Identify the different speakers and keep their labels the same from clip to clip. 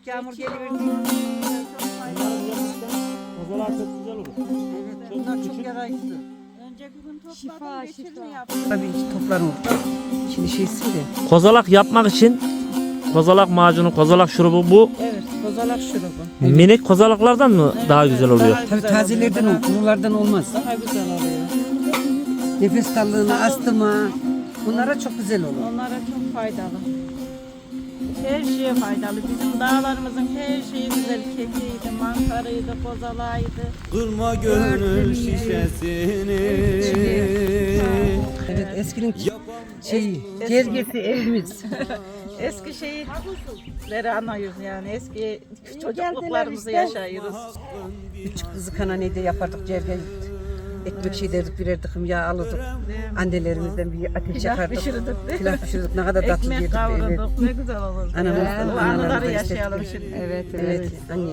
Speaker 1: çok yağmur geliverdi.
Speaker 2: Kozalak çok güzel olur.
Speaker 1: Evet, bunlar çok yarayıcı.
Speaker 3: Önce bir gün topladım,
Speaker 1: Şifa,
Speaker 3: geçirme
Speaker 1: şifa.
Speaker 3: yaptım.
Speaker 1: Tabii toplarım. Şimdi şeysi de.
Speaker 2: Kozalak yapmak için kozalak macunu, kozalak şurubu bu
Speaker 1: Evet, kozalak şurubu.
Speaker 2: minik kozalaklardan mı daha güzel oluyor?
Speaker 1: Tabii tazelerden olur, kurulardan olmaz. Daha güzel oluyor. Nefes darlığına, astıma, bunlara çok güzel olur.
Speaker 3: Onlara çok faydalı. Her şeye faydalı. Bizim dağlarımızın her şeyi güzel. Kekiydi, mantarıydı, kozalağıydı.
Speaker 4: Durma gönül şişesini.
Speaker 1: Evet, eskinin cergesi evimiz.
Speaker 3: Eski şeyleri anıyoruz yani. Eski çocukluklarımızı yaşıyoruz.
Speaker 1: Küçük kızı kananede yapardık cerge. Ekmek şey derdik, birer tıkım yağ alırdık. Annelerimizden bir ateş
Speaker 3: Pilav
Speaker 1: yakardık.
Speaker 3: pişirdik, değil mi?
Speaker 1: Pilav pişirdik. Ne kadar tatlı
Speaker 3: Ekmek
Speaker 1: yedik. Evet.
Speaker 3: kavurduk. Ne güzel olurdu.
Speaker 1: Anamızdan,
Speaker 3: Bu
Speaker 1: analarımızdan
Speaker 3: anıları
Speaker 1: istedik.
Speaker 3: yaşayalım şimdi.
Speaker 1: Evet, evet. Anne.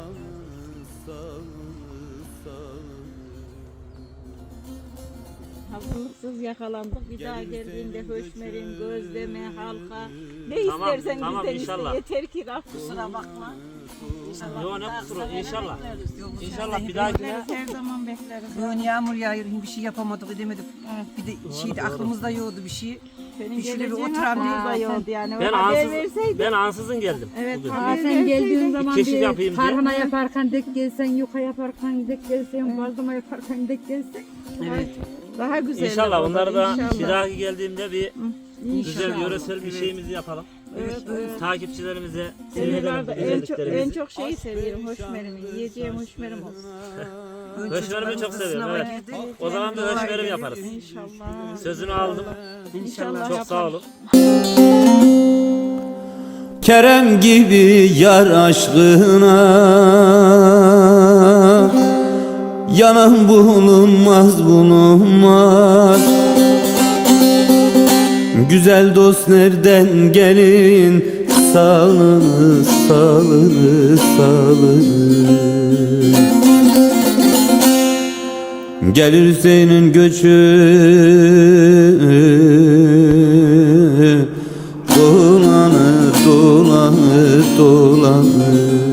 Speaker 3: Hazırlıksız yakalandık. Bir daha geldiğinde höşmerin, gözleme, halka. Ne
Speaker 2: Tamam,
Speaker 3: istersen
Speaker 2: tamam,
Speaker 3: bizden
Speaker 2: inşallah.
Speaker 3: iste. Yeter ki raf kusura bakma.
Speaker 2: Yo ne kusuru inşallah.
Speaker 3: Bekleriz.
Speaker 2: İnşallah bir dahakine
Speaker 3: Bekleriz, her zaman bekleriz.
Speaker 1: Bugün yağmur yağıyor, bir şey yapamadık, edemedik. Bir de şeydi, aklımızda yoktu bir şey.
Speaker 3: Senin
Speaker 1: Bir şöyle bir
Speaker 3: geleceğin
Speaker 1: oturan
Speaker 3: aklımızda
Speaker 1: bir-
Speaker 3: yoktu yani.
Speaker 2: ben
Speaker 3: Haber
Speaker 2: ansız,
Speaker 3: verseydin.
Speaker 2: ben ansızın geldim
Speaker 3: Evet,
Speaker 2: bugün.
Speaker 3: haber
Speaker 5: Sen geldiğin
Speaker 3: verseydin.
Speaker 5: zaman
Speaker 2: Çeşit
Speaker 5: bir
Speaker 2: yapayım diye.
Speaker 5: tarhana yaparken dek gelsen, yuka yaparken dek gelsen, bazlama yaparken dek gelsen.
Speaker 1: Evet.
Speaker 3: Daha güzel.
Speaker 2: İnşallah
Speaker 3: olur,
Speaker 2: onları da
Speaker 3: inşallah.
Speaker 2: bir dahaki geldiğimde bir güzel
Speaker 1: İnşallah.
Speaker 2: yöresel bir şeyimizi yapalım.
Speaker 3: Evet, evet.
Speaker 2: Takipçilerimize
Speaker 3: Senin
Speaker 2: seyredelim
Speaker 3: vardı,
Speaker 2: bu
Speaker 3: en çok,
Speaker 2: güzelliklerimizi.
Speaker 3: şeyi seviyorum, hoşmerimi. Yiyeceğim hoşmerim olsun.
Speaker 2: Höşmerimi çok seviyorum,
Speaker 1: Sınava
Speaker 2: evet.
Speaker 1: girdi.
Speaker 2: O zaman bir höşmerim yaparız.
Speaker 3: İnşallah.
Speaker 2: Sözünü aldım.
Speaker 3: İnşallah
Speaker 2: Çok sağ olun.
Speaker 4: Kerem gibi yar aşkına yanan bulunmaz bulunmaz. Güzel dost nereden gelin salını salını salını. Gelir senin göçü dolanır dolanır dolanır.